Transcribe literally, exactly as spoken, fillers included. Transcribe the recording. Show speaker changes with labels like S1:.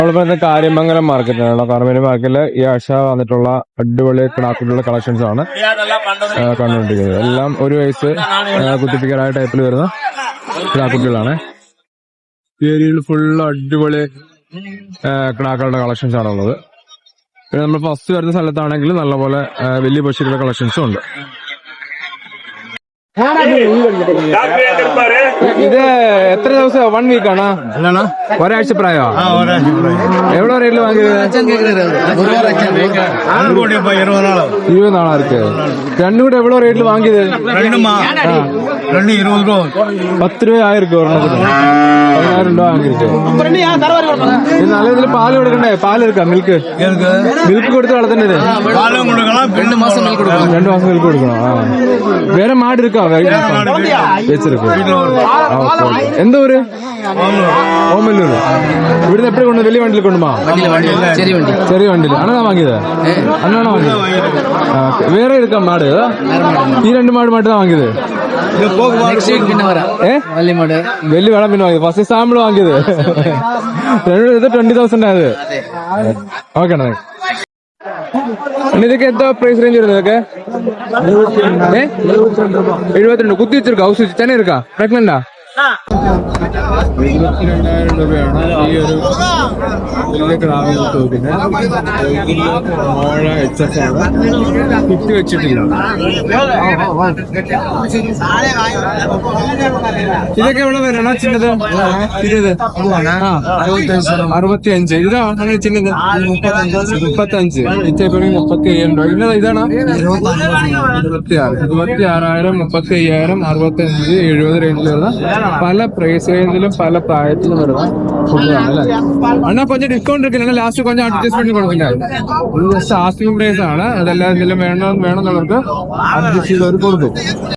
S1: നമ്മളിപ്പോ കാര്യമംഗലം മാർക്കറ്റിലാണ്. കാർമേരി മാർക്കറ്റില് ഈ ആഴ്ച വന്നിട്ടുള്ള അടിപൊളി കിടാക്കുട്ടികളുടെ കളക്ഷൻസ് ആണ് കണ്ടുകൊണ്ടിരിക്കുന്നത്. എല്ലാം ഒരു വയസ്സ് കുത്തിപ്പിക്കാനായ ടൈപ്പിൽ വരുന്ന കിടാക്കുട്ടികളാണ്. ഈ ഏരിയയിൽ ഫുള്ള് അടിപൊളി കിടാക്കളുടെ കളക്ഷൻസ് ആണുള്ളത്. പിന്നെ നമ്മൾ ഫസ്റ്റ് വരുന്ന സ്ഥലത്താണെങ്കിൽ നല്ലപോലെ വലിയ പശുക്കളുടെ കളക്ഷൻസും ഉണ്ട്. ഇത് എത്ര ദിവസം വൺ വീക്ക് ആണോ ഒരാഴ്ച പ്രായോ? എവിടെ റേറ്റിൽ വാങ്ങിയത്? ഇരുപത് നാളാ ഇருக்கு. രണ്ടും കൂടെ എവിടെ റേറ്റിൽ വാങ്ങിയത്? പത്ത് രൂപ ആയിരിക്കും ഒരെണ്ണത്തിന്. പതിനായിരം രൂപ വാങ്ങിയിട്ട് നല്ല ഇതിൽ പാല് കൊടുക്കണ്ടേ? പാല് എടുക്കാം. മിൽക്ക് മിൽക്ക് കൊടുത്ത് വളർത്തേണ്ടത് രണ്ടു മാസം മിൽക്ക് കൊടുക്കണം. ആ വേറെ മാട് എടുക്കാം വെച്ചിരിക്കും. എന്താ ഊര്? ഓമല്ലൂര്. ഇവിടുന്ന് എപ്പോഴും കൊണ്ട് വലിയ വണ്ടിയിൽ കൊണ്ടുപോകാം. ചെറിയ വണ്ടിയിൽ അണ്ണാ വാങ്ങിയത്? അണ്ണാണോ വാങ്ങിയത്? വേറെ എടുക്കാം മാട്? ഈ രണ്ട് മാട് മാത്രം വാങ്ങിയത്? വലിയ വേണം പിന്നെ വാങ്ങിയത്. ഫസ്റ്റ് സാമ്പിൾ വാങ്ങിയത് ഇത് ട്വന്റി തൗസൻഡ് ആയത്. ഓക്കെ അണ്ണാ. ഇതൊക്കെ എന്താ പ്രൈസ് റേഞ്ച് വരുന്നത്? ഇതൊക്കെ എഴുപത്തിരണ്ട്. കുത്തി വെച്ചിരിക്കാ? ഹൗസ് വെച്ച് ചെന്നൈ ഇരിക്കാ? പ്രഗ്നന്റാ? ഇരുപത്തിരണ്ടായിരം രൂപയാണ് ഈ ഒരു വലിയ ക്രാവിന് തോന്നിന്. മോഴ എച്ച് എഫ് ആണ്. കുത്തി വെച്ചിട്ടില്ല. ഇതൊക്കെ എവിടെ വരണം? ചിന്നത് ഇരുപത് അറുപത്തി അഞ്ച്. ഇതാണ് ചിന്നത് മുപ്പത്തി അഞ്ച്. ഇച്ചപ്പറ മുപ്പത്തി അയ്യായിരം രൂപ. ഇന്നത് ഇതാണ് ഇരുപത്തി ആറ് ഇരുപത്തി ആറായിരം മുപ്പത്തി അയ്യായിരം അറുപത്തി അഞ്ച് എഴുപത് റേഞ്ചിൽ വരുന്ന പല പ്രൈസ് റേഞ്ചിലും പല പ്രായത്തിലും വരുന്ന ഫുഡാണ് അല്ലേ അണ്ണാ? കൊഞ്ചം ഡിസ്കൗണ്ട് എടുക്കില്ല. ലാസ്റ്റ് കൊഞ്ചം അഡ്ജസ്റ്റ്മെന്റ് കൊടുക്കില്ല. ജസ്റ്റ് ആസ്കിംഗ് പ്രൈസ് ആണ്. അതെല്ലാം എന്തെങ്കിലും വേണം വേണമെന്നുള്ളവർക്ക് അഡ്ജസ്റ്റ് ചെയ്തവർ കൊടുക്കും.